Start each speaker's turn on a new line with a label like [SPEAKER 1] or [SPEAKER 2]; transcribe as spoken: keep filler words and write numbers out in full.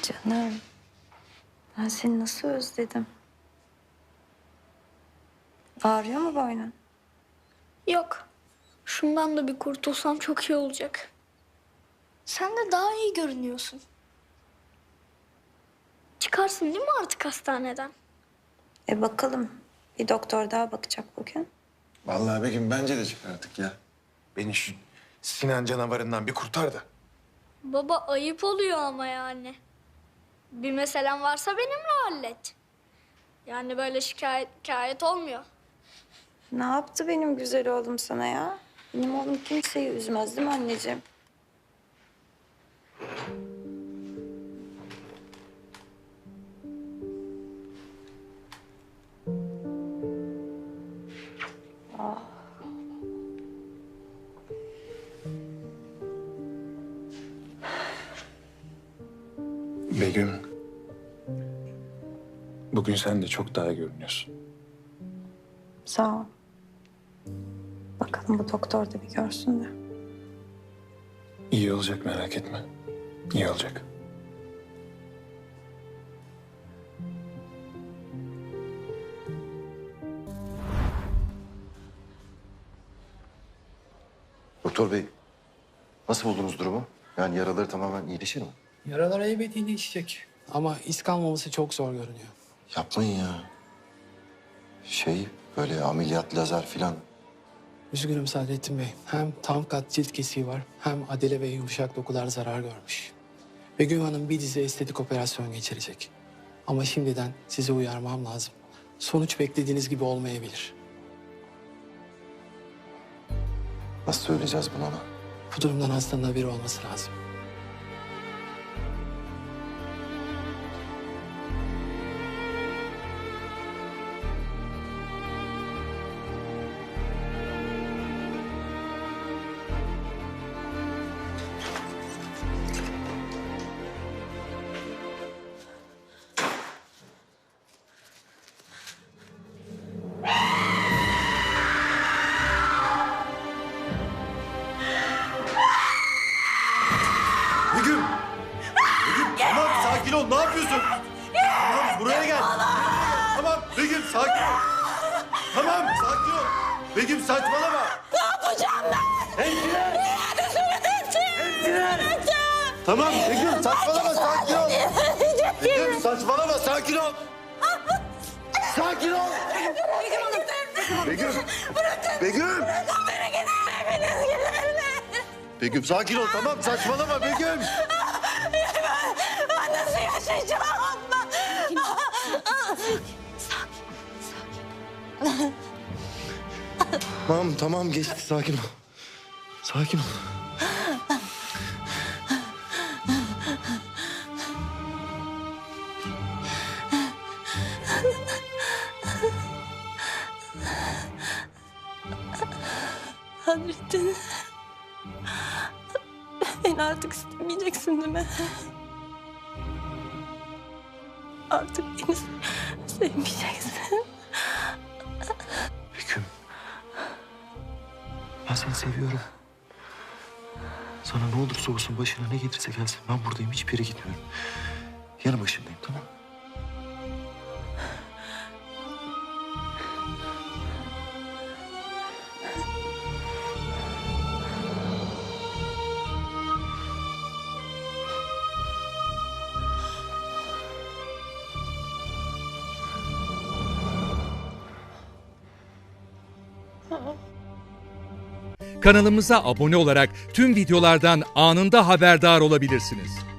[SPEAKER 1] Canım, ben seni nasıl özledim. Ağrıyor mu boynun?
[SPEAKER 2] Yok. Şundan da bir kurtulsam çok iyi olacak. Sen de daha iyi görünüyorsun. Çıkarsın değil mi artık hastaneden?
[SPEAKER 1] E bakalım. Bir doktor daha bakacak bugün.
[SPEAKER 3] Vallahi Begüm bence de çık artık ya. Beni şu Sinan canavarından bir kurtar da.
[SPEAKER 2] Baba ayıp oluyor ama yani. Bir meselen varsa benimle hallet. Yani böyle şikayet, şikayet olmuyor.
[SPEAKER 1] Ne yaptı benim güzel oğlum sana ya? Benim oğlum kimseyi üzmez değil mi anneciğim?
[SPEAKER 3] Begüm. Bugün sen de çok daha iyi görünüyorsun.
[SPEAKER 1] Sağ ol. Bakalım bu doktor da bir görsün de.
[SPEAKER 3] İyi olacak, merak etme. İyi olacak.
[SPEAKER 4] Doktor bey, nasıl buldunuz durumu? Yani yaraları tamamen iyileşir mi?
[SPEAKER 5] Yaralar elbet iyileşecek. Ama iz kalmaması çok zor görünüyor.
[SPEAKER 4] Yapmayın ya. Şey, böyle ameliyat, lazer filan.
[SPEAKER 5] Üzgünüm Saadettin Bey. Hem tam kat cilt kesiği var, hem adele ve yumuşak dokular zarar görmüş. Begüm Hanım bir dizi estetik operasyon geçirecek. Ama şimdiden sizi uyarmam lazım. Sonuç beklediğiniz gibi olmayabilir.
[SPEAKER 4] Nasıl söyleyeceğiz bunu ona?
[SPEAKER 5] Bu durumdan hastanın haberi olması lazım.
[SPEAKER 4] Begüm! Begüm tamam sakin ol, ne yapıyorsun? Tamam buraya gel. Tamam Begüm sakin ol. Tamam sakin ol. Begüm saçmalama.
[SPEAKER 6] Ne yapacağım ben?
[SPEAKER 4] Hemşire!
[SPEAKER 6] Hadi söyle
[SPEAKER 4] Hemşire! Tamam Begüm saçmalama, sakin ol. Begüm saçmalama, sakin ol. Sakin ol. Begüm. Begüm.
[SPEAKER 6] Beni gidin hepiniz gidin.
[SPEAKER 4] Begüm sakin ol, tamam saçmalama Begüm.
[SPEAKER 6] Ben, ben nasıl yaşayacağım?
[SPEAKER 4] Tamam tamam geçti, sakin ol. Sakin ol.
[SPEAKER 1] Hadrettin. Beni artık istemeyeceksin değil mi? Artık beni sevmeyeceksin.
[SPEAKER 4] Begüm. Ben seni seviyorum. Sana ne olursa olsun, başına ne gelirse gelsin, ben buradayım, hiçbir yere gitmiyorum. Yanı başındayım, tamam mı?
[SPEAKER 7] Kanalımıza abone olarak tüm videolardan anında haberdar olabilirsiniz.